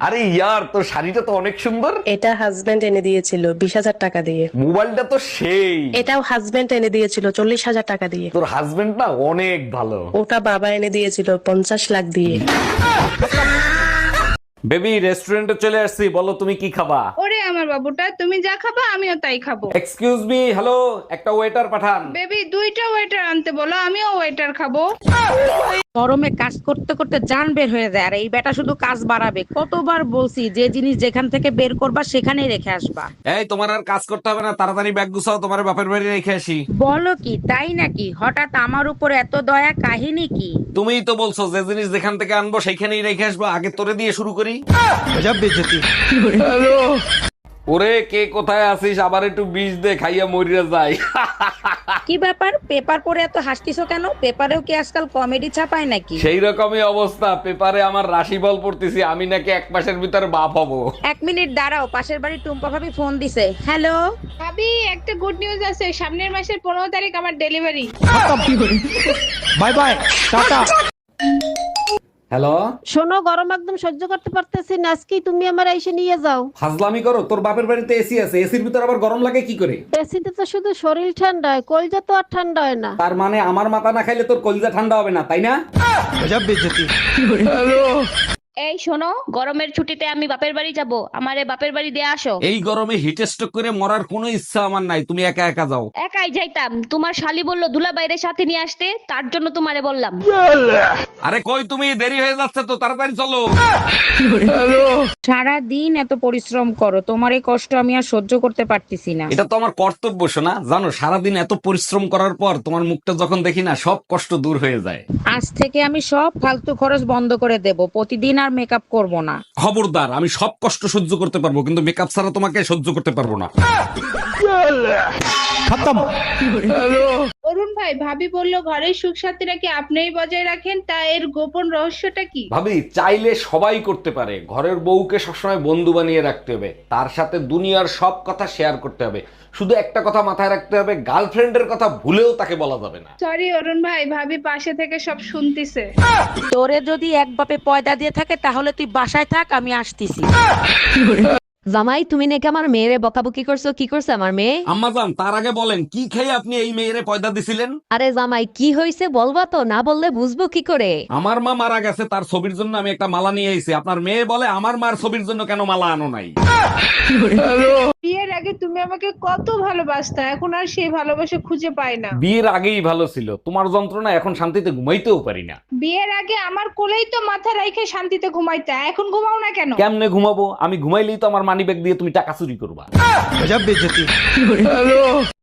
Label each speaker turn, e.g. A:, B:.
A: আরে ইয়ার, তোর শাড়িটা তো অনেক সুন্দর।
B: এটা হাজবেন্ড এনে দিয়েছিল 20,000 টাকা দিয়ে।
A: মোবাইলটা তো সেই।
B: এটাও হাজবেন্ড এনে দিয়েছিল 40,000 টাকা দিয়ে।
A: তোর হাজবেন্ড না অনেক ভালো।
B: ওটা বাবা এনে দিয়েছিল 50 লাখ দিয়ে।
A: বেবি, রেস্টুরেন্টে চলে আসছি, বলো তুমি কি খাবা?
C: ওরে আমার বাবুটা, তুমি যা খাবা আমিও তাই খাবো।
A: এক্সকিউজ মি, হ্যালো, একটা ওয়েটার পাঠান।
C: বেবি, দুইটা ওয়েটার আনতে বলো, আমিও ওয়েটার খাবো।
D: গরমে কাজ করতে করতে জান বের হয়ে যায়, আর এই বেটা শুধু কাজ বাড়াবে। কতবার বলছি যে জিনিস যেখান থেকে বের করবা সেখানেই রেখে আসবা।
A: এই, তোমার আর কাজ করতে হবে না, তাড়াতাড়ি ব্যাগ গুছাও, তোমার বাপের বাড়ি রেখে আসি।
D: বলো কি, তাই নাকি? হঠাৎ আমার উপর এত দয়া, কাহিনী কি?
A: তুমিই তো বলছো যে জিনিস যেখান থেকে আনবো সেইখানেই রেখে আসবো, আগে তোরে দিয়ে শুরু করি। ওরে, কে কোথায় আছিস? আবার একটু বিষ দে, খাইয়া মরিয়া যায়।
D: কি ব্যাপার, পেপার পড়ে এত হাসতিছো কেন? পেপারেও কি আজকাল কমেডি ছাপায় নাকি?
A: সেই রকমই অবস্থা, পেপারে আমার রাশিফল পড়তেছি, আমি নাকি 1 মাসের ভিতরে বাপ হব।
D: 1 মিনিট দাঁড়াও, পাশের বাড়ি টুম্পা ভাবি ফোন দিছে। হ্যালো।
C: ভাবি, একটা গুড নিউজ আছে, সামনের মাসের 15 তারিখ আমার delivery.
E: Bye bye, tata.
A: Hello,
F: শোনো, গরম একদম সহ্য করতে পারতেছি না, আজকেই তুমি আমার এসে নিয়ে যাও।
A: ফাজলামি করো? তোর বাপের বাড়িতে এসি আছে, এসির ভিতর আবার গরম লাগে কি করে?
F: এসিতে তো শুধু শরীর ঠান্ডা হয়, কলজা তো আর ঠান্ডা হয় না।
A: তার মানে আমার মাথা না খাইলে তোর কলিজা ঠান্ডা হবে না, তাই না?
E: গজব বেইজ্জতি।
G: এই শোনো, গরমের ছুটিতে আমি বাপের বাড়ি যাব, আমারে বাপের বাড়ি দিয়ে আসো।
A: এই গরমে হিট স্ট্রোক করে মরার কোনো ইচ্ছা আমার নাই, তুমি একা একা যাও।
G: একাই যাইতাম, তোমার শালি বললো দুলা বাইরের সাথে নিয়ে আসতে, তার জন্য তোমারে বললাম।
A: আরে কই তুমি, দেরি হয়ে যাচ্ছে তো, তাড়াতাড়ি চলো।
D: সারা দিন এত পরিশ্রম করো, তোমার এই কষ্ট আমি আর সহ্য করতে পারতেছি না।
A: এটা তো আমার কর্তব্য শোনা, জানো সারাদিন এত পরিশ্রম করার পর তোমার মুখটা যখন দেখি না, সব কষ্ট দূর হয়ে যায়।
D: আজ থেকে আমি সব ফালতু খরচ বন্ধ করে দেব, প্রতিদিন আর মেকআপ করব না।
A: খবরদার, আমি সব কষ্ট সহ্য করতে পারবো, কিন্তু মেকআপ ছাড়া তোমাকে সহ্য করতে পারবো না।
E: খতম।
C: অরুণ ভাই, ভাবি বললো ঘরের সুখ শান্তি নাকি আপনিই বজায় রাখেন, তা এর গোপন রহস্যটা কি?
A: ভাবি, চাইলে সবাই করতে পারে। ঘরের বউকে সবসময় বন্ধু বানিয়ে রাখতে হবে, তার সাথে দুনিয়ার সব কথা শেয়ার করতে হবে। শুধু একটা কথা মাথায় রাখতে হবে, গার্লফ্রেন্ডের কথা ভুলেও তাকে বলা যাবে না।
C: সরি অরুণ ভাই, ভাবি পাশে থেকে সব শুনতিছে।
D: তোরে যদি এক বাপে পয়দা দিয়ে থাকে তাহলে তুই বাসায় থাক, আমি আসতেছি।
H: জামাই, তুমি নাকি আমার মেয়েরে বকাবকি করছো? কি করছে আমার মেয়ে?
A: আম্মাজান, তার আগে বলেন কি খেয়ে আপনি এই মেয়েরে পয়দা দিছিলেন?
H: আরে জামাই, কি হয়েছে বলবা তো, না বললে বুঝবো কি করে?
A: আমার মা মারা গেছে, তার ছবির জন্য আমি একটা মালা নিয়ে এসেছি। আপনার মেয়ে বলে আমার মার ছবির জন্য কেন মালা আনো নাই?
C: বিয়ের আগে তুমি আমাকে কত ভালোবাসতা, এখন আর সেই ভালোবাসা খুঁজে পাই না।
A: বিয়ের আগেই ভালো ছিল, তোমার যন্ত্রণা এখন শান্তিতে ঘুমাইতেও পারি না।
C: বিয়ের আগে আমার কোলেই তো মাথা রাইখে শান্তিতে ঘুমাইতা, এখন ঘুমাও না কেন?
A: কেমনে ঘুমাবো? আমি ঘুমাইলেই তো আমার মানিব্যাগ দিয়ে তুমি টাকা চুরি করবা।
E: গজব বেইজ্জতি।